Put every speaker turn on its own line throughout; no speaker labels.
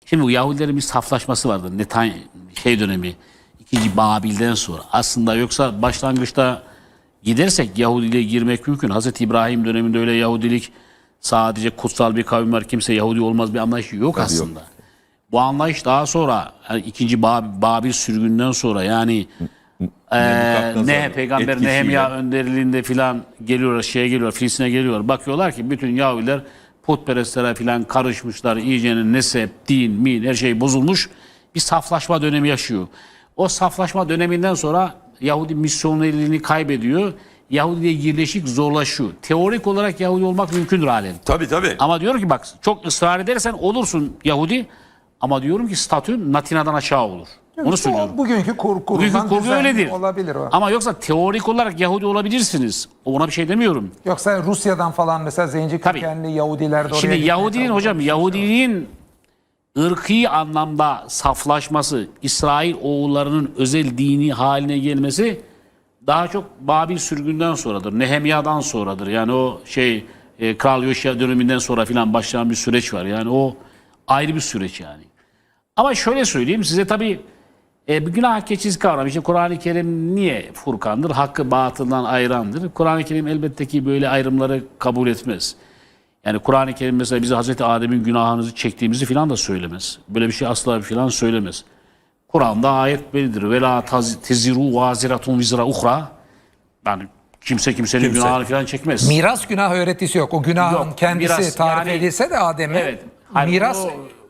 Şimdi bu Yahudilerin bir saflaşması vardı. Dönemi, 2. Babil'den sonra. Aslında yoksa başlangıçta gidersek Yahudiliğe girmek mümkün. Hazreti İbrahim döneminde öyle Yahudilik sadece kutsal bir kavim var, kimse Yahudi olmaz bir anlayış yok aslında. Yok. Bu anlayış daha sonra yani 2. Babil sürgünden sonra yani Peygamber Nehemya önderliğinde filan geliyorlar, Filistin'e geliyor. Bakıyorlar ki bütün Yahudiler putperestlere filan karışmışlar. İyicenin nesep, din, min her şey bozulmuş. Bir saflaşma dönemi yaşıyor. O saflaşma döneminden sonra Yahudi misyonelliğini kaybediyor. Yahudi'ye yerleşik zorlaşıyor. Teorik olarak Yahudi olmak mümkündür halen.
Tabii.
Ama diyorum ki bak çok ısrar edersen olursun Yahudi. Ama diyorum ki statün Latina'dan aşağı olur. Onu söylüyorum.
Bugünkü kurgu
öyledir.
Olabilir o.
Ama yoksa teorik olarak Yahudi olabilirsiniz. Ona bir şey demiyorum.
Yoksa Rusya'dan falan mesela zenci kökenli Yahudiler de oraya
Şimdi Yahudiliğin ırkî anlamda saflaşması, İsrail oğullarının özel dini haline gelmesi daha çok Babil sürgünden sonradır. Nehemya'dan sonradır. Yani o Kral Yoşya döneminden sonra filan başlayan bir süreç var. Yani o ayrı bir süreç yani. Ama şöyle söyleyeyim size tabii bir günah keçisi kavramı. İşte Kur'an-ı Kerim niye Furkan'dır? Hakkı batıldan ayırandır. Kur'an-ı Kerim elbette ki böyle ayrımları kabul etmez. Yani Kur'an-ı Kerim mesela bize Hazreti Adem'in günahınızı çektiğimizi filan da söylemez. Böyle bir şey asla filan söylemez. Kur'an'da ayet bellidir. Ve la teziru vaziratun vizra uhra. Yani kimsenin günahını filan çekmez.
Miras günah öğretisi yok. O günahın
Yok,
kendisi
miras,
tarif
yani,
edilse de Adem'e miras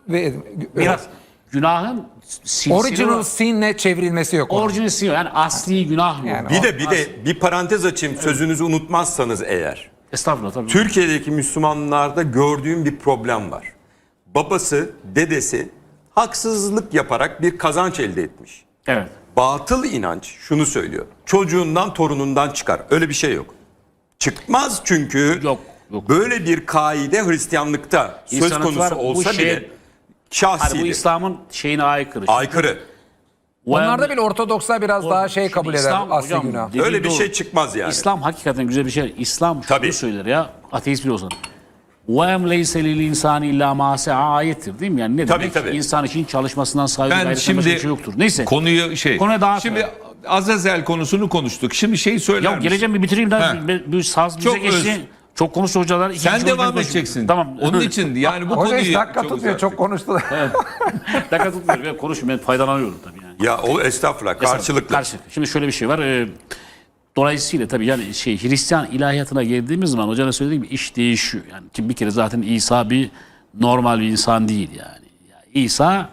günahın
original sin'le çevrilmesi yok.
Original sin yani asli günah mı?
Yani bir parantez açayım sözünüzü unutmazsanız eğer.
Estağfurullah tabii.
Türkiye'deki Müslümanlarda gördüğüm bir problem var. Babası, dedesi haksızlık yaparak bir kazanç elde etmiş.
Evet.
Batıl inanç şunu söylüyor. Çocuğundan, torunundan çıkar. Öyle bir şey yok. Çıkmaz çünkü
yok.
Böyle bir kaide Hristiyanlıkta söz konusu olsa bile şahsidir. Bu
İslam'ın şeyine aykırı.
Aykırı.
Onlarda bile Ortodokslar biraz daha kabul eder asli günah.
Öyle bir şey çıkmaz yani.
İslam hakikaten güzel bir şey. İslam şunu söyler ya, ateist bile olsan. وَاَمْ لَيْسَ لِلْاِنْسَانِ اِلَّا مَا سَعَى ayettir değil mi? Yani ne demek?
Tabii.
İnsan için çalışmasından saygı
ben şimdi
bir şey yoktur. Neyse.
Konuyu şimdi Azazel konusunu konuştuk. Şimdi söyler misin?
Geleceğim bir bitireyim daha. Bir saz bize geçti. Çok konuştu hocalar.
Sen devam edeceksin.
Tamam.
Onun için yani bu
konuyu...
Hoca
dakika tutmuyor. Çok konuştular.
Evet. Dakika tutmuyor. Ben konuşuyorum. Ben faydalanıyorum tabii yani.
Ya o estağfurullah. Karşılıklı.
Şimdi şöyle bir şey var. Dolayısıyla tabii yani Hristiyan ilahiyatına geldiğimiz zaman hocanın söylediği gibi iş değişiyor. Yani ki bir kere zaten İsa bir normal bir insan değil yani. İsa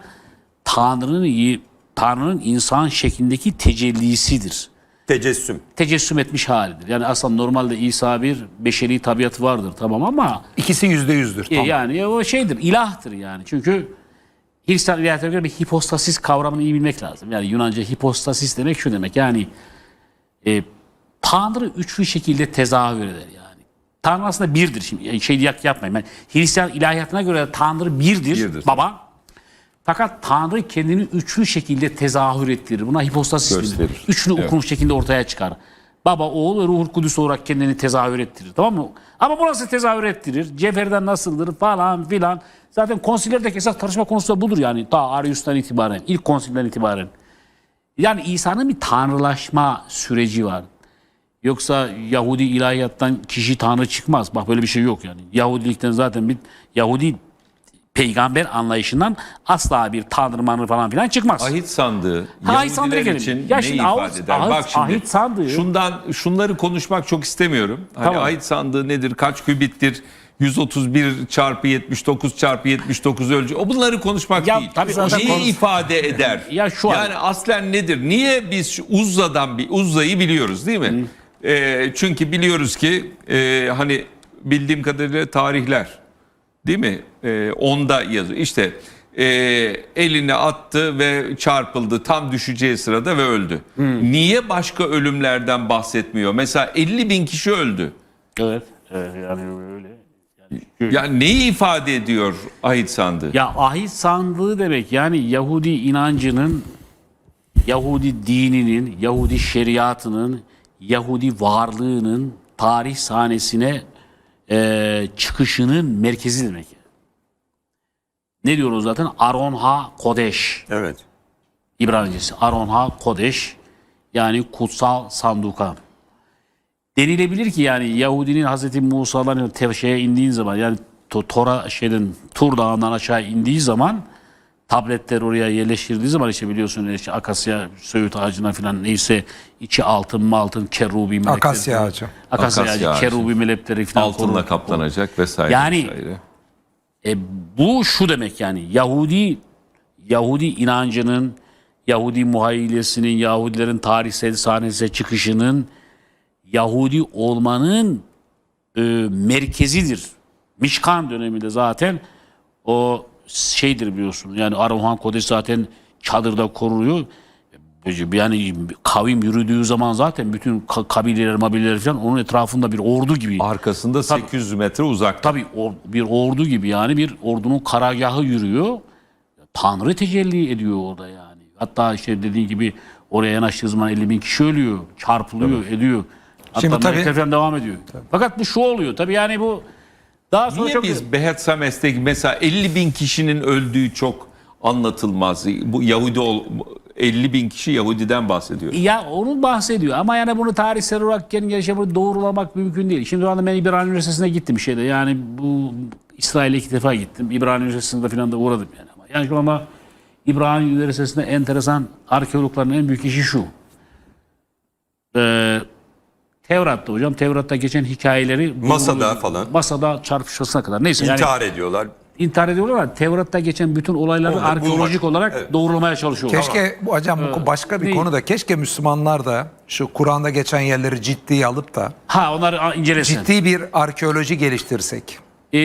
Tanrı'nın insan şeklindeki tecellisidir. Tecessüm etmiş halidir. Yani aslında normalde İsa bir beşeri tabiatı vardır tamam ama
ikisi %100'dür. Tamam.
Yani o ilahtır yani. Çünkü Hristiyan ilahiyatına göre bir hipostasis kavramını iyi bilmek lazım. Yani Yunanca hipostasis demek şu demek yani Tanrı üçlü şekilde tezahür eder yani. Tanrı aslında birdir. Şimdi yapmayın. Yani Hristiyan ilahiyatına göre Tanrı birdir. Baba. Fakat Tanrı kendini üçlü şekilde tezahür ettirir. Buna hipostasis denir. Üçlü okunmuş şekilde ortaya çıkar. Baba, oğul ve Ruhul Kudüs olarak kendini tezahür ettirir. Tamam mı? Ama bu nasıl tezahür ettirir? Cevherden nasıldır falan filan. Zaten konsillerdeki esas tartışma konusu da budur yani. Ta Arius'tan itibaren, ilk konsilden itibaren. Yani İsa'nın bir tanrılaşma süreci var. Yoksa Yahudi ilahiyattan kişi tanrı çıkmaz. Bak böyle bir şey yok yani. Yahudilikten zaten bir Yahudi peygamber anlayışından asla bir tanrı manrı falan filan çıkmaz.
Ahit sandığı Yahudiler için ne ifade eder? Bak şimdi
ahit sandığı.
Şunları konuşmak çok istemiyorum. Hani tamam. Ahit sandığı nedir? Kaç kübittir? 131 çarpı 79 çarpı 79 ölçü. O bunları konuşmak değil. Neyi ifade eder? Yani aslen nedir? Niye biz Uzza'yı biliyoruz değil mi? Çünkü biliyoruz ki hani bildiğim kadarıyla tarihler değil mi? Onda yazıyor. İşte elini attı ve çarpıldı tam düşeceği sırada ve öldü. Niye başka ölümlerden bahsetmiyor? Mesela 50.000 kişi öldü.
Evet yani öyle.
Yani neyi ifade ediyor ahit sandığı?
Ya ahit sandığı demek yani Yahudi inancının, Yahudi dininin, Yahudi şeriatının, Yahudi varlığının tarih sahnesine çıkışının merkezi demek. ne diyoruz zaten? Aron Ha Kodeş.
Evet.
İbranicesi. Aron Ha Kodeş. Yani kutsal sanduka. Denilebilir ki yani Yahudinin Hazreti Musa'dan şeye indiğin zaman yani Tur Dağı'ndan aşağı indiği zaman tabletler oraya yerleştirdiği zaman işte biliyorsun işte akasya söğüt ağacına falan neyse içi altın kerubi melekleri.
Akasya ağacı.
Akasya
Akasya
ağacı,
ağacı.
kerubi melekleri falan.
Altınla kaplanacak vesaire.
Yani
vesaire.
bu şu demek yani Yahudi inancının, Yahudi muhayyilesinin, Yahudilerin tarihsel sahnesine çıkışının Yahudi olmanın merkezidir. Mişkan döneminde zaten o şeydir biliyorsun. Yani Aron Kodeş zaten çadırda koruyor. Yani kavim yürüdüğü zaman zaten bütün kabileler falan onun etrafında bir ordu gibi.
Arkasında 800 metre uzakta.
Tabii bir ordu gibi yani bir ordunun karargahı yürüyor. Tanrı tecelli ediyor orada yani. Hatta işte dediğin gibi oraya yanaştığı zaman 50.000 kişi ölüyor, çarpılıyor, ediyor. Hatta
Şimdi tabii-
melekler falan devam ediyor. Fakat bu şu oluyor tabii yani bu daha sonra
Niye
çok...
biz Behet Sames'teki mesela 50.000 kişinin öldüğü çok anlatılmaz. Bu 50.000 kişi Yahudiden bahsediyor.
Ya onun bahsediyor ama yani bunu tarihsel olarak gelişe bunu doğrulamak mümkün değil. Şimdi o anda ben İbrani Üniversitesi'ne gittim şeyde yani bu İsrail'e 2 defa gittim. İbrani Üniversitesi'nde falan da uğradım yani. Yani şu anda İbrani Üniversitesi'nde enteresan arkeologların en büyük işi şu. Tevrat'ta hocam, Tevrat'ta geçen hikayeleri
Masada falan.
Masada çarpışmasına kadar. Neyse yani
İntihar ediyorlar.
intihar ediyorlar ama Tevrat'ta geçen bütün olayları
Onları
arkeolojik
bulmak.
olarak
Evet.
doğrulamaya çalışıyorlar.
Keşke bu hocam bu başka bir
değil.
konuda keşke Müslümanlar da şu Kur'an'da geçen yerleri ciddiye alıp da
Onları incelesin.
ciddi bir arkeoloji geliştirsek.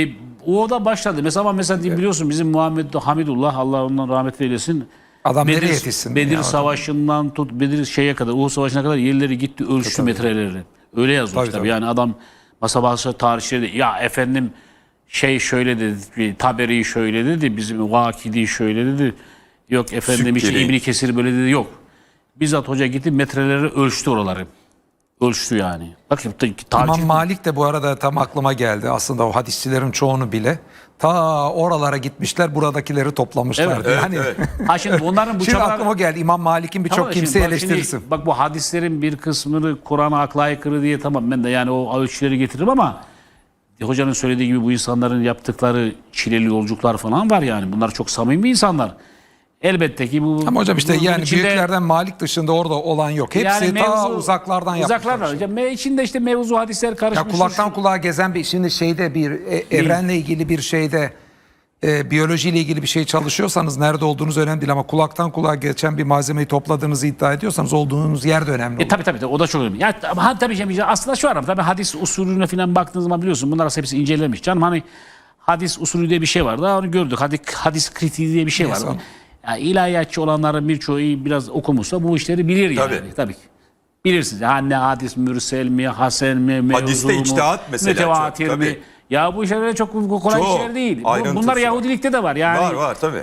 O da başladı. Mesela biliyorsun bizim Muhammed Hamidullah Allah ondan rahmet eylesin.
Adam nereye yetişsin?
Bedir
ya?
Savaşı'ndan tut Bedir şeye kadar Uhud Savaşı'na kadar yerleri gitti ölçtü metreleri. Öyle yazmış tabii. Yani adam masa başı tarihçileri ya efendim şey şöyle dedi, Taberi şöyle dedi, bizim Vakidi şöyle dedi. Yok efendim işte
Sükkeli.
İbn Kesir böyle dedi yok. Bizzat hoca gitti metreleri ölçtü oraları. Ölçtü yani. Bak şimdi
İmam Malik de bu arada tam aklıma geldi. Aslında o hadisçilerin çoğunu bile ta oralara gitmişler buradakileri toplamışlardı.
Evet,
yani,
evet.
Ha şimdi bunların bu
Şimdi
çabalar...
aklıma geldi İmam Malik'in birçok
Tamam da
kimse
şimdi bak
eleştirirsin.
bak bu hadislerin bir kısmını Kur'an'a akla aykırı diye tamam ben de yani o ölçüleri getiririm ama hocanın söylediği gibi bu insanların yaptıkları çileli yolculuklar falan var yani. Bunlar çok samimi insanlar. Elbette ki bu...
Ama hocam işte
bunun
yani
içinde-
büyüklerden Malik dışında orada olan yok. Hepsi ta uzaklardan yapmışlar.
Uzaklardan. Hocam. İçinde işte mevzu hadisler
Ya
karışmış.
kulaktan kulağa gezen bir şimdi şeyde bir evrenle ilgili bir şeyde biyolojiyle ilgili bir şey çalışıyorsanız nerede olduğunuz önemli değil ama kulaktan kulağa geçen bir malzemeyi topladığınızı iddia ediyorsanız olduğunuz yer de önemli olur.
Tabii o da çok önemli. Ya tabii şimdi aslında şu ara tabii hadis usulüne falan baktığınız zaman biliyorsun bunlar hepsi incelenmiş. Canım hani hadis usulü diye bir şey var. Daha onu gördük. Hadis kritiği diye bir şey var.
Neyse.
Yani ilahiyatçı olanların birçoğu biraz okumuşsa bu işleri bilir yani. Tabii ki. Bilirsiniz. Ne hadis mürsel mi, hasen mi, mevzu
Hadiste
mu,
içtihat mesela
mütevatir
çok,
mi?
tabii.
Ya bu işler çok kolay
Çok
işler değil.
ayrıntısı
Bunlar
var.
Yahudilikte de var. Yani
Var tabii.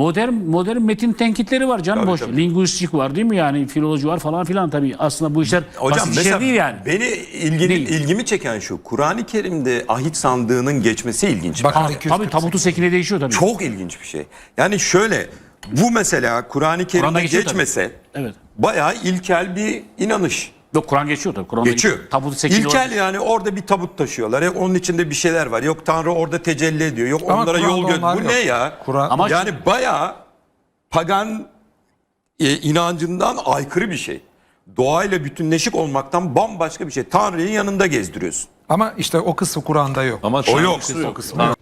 modern metin tenkitleri var canım
Tabii,
boş.
tabii.
Linguistik var değil mi yani? Filoloji var falan filan tabii. Aslında bu işler
Hocam
basit
mesela
işler değil yani.
beni
Değil.
ilgimi çeken şu. Kur'an-ı Kerim'de ahit sandığının geçmesi ilginç.
Bak,
Tabii, tabii tabutu sekine değişiyor tabii.
Çok ilginç bir şey. Yani şöyle bu mesela Kur'an-ı
Kur'an'da
Kerim'de
geçiyor
geçmese
Evet.
bayağı ilkel bir inanış.
Yok Kur'an geçiyor tabii. Kur'an'da
Geçiyor.
Tabutu sekine
İlkel yani orada bir tabut taşıyorlar. Onun içinde bir şeyler var. Yok Tanrı orada tecelli ediyor. Yok
Ama
onlara
Kur'an'da
yol göster.
onlar
Bu
yok.
ne ya?
Ama
Yani bayağı pagan inancından aykırı bir şey. Doğayla bütünleşik olmaktan bambaşka bir şey. Tanrı'yı yanında gezdiriyorsun.
Ama işte o kısmı Kur'an'da yok.
Ama
O yok.
O kısmı yok.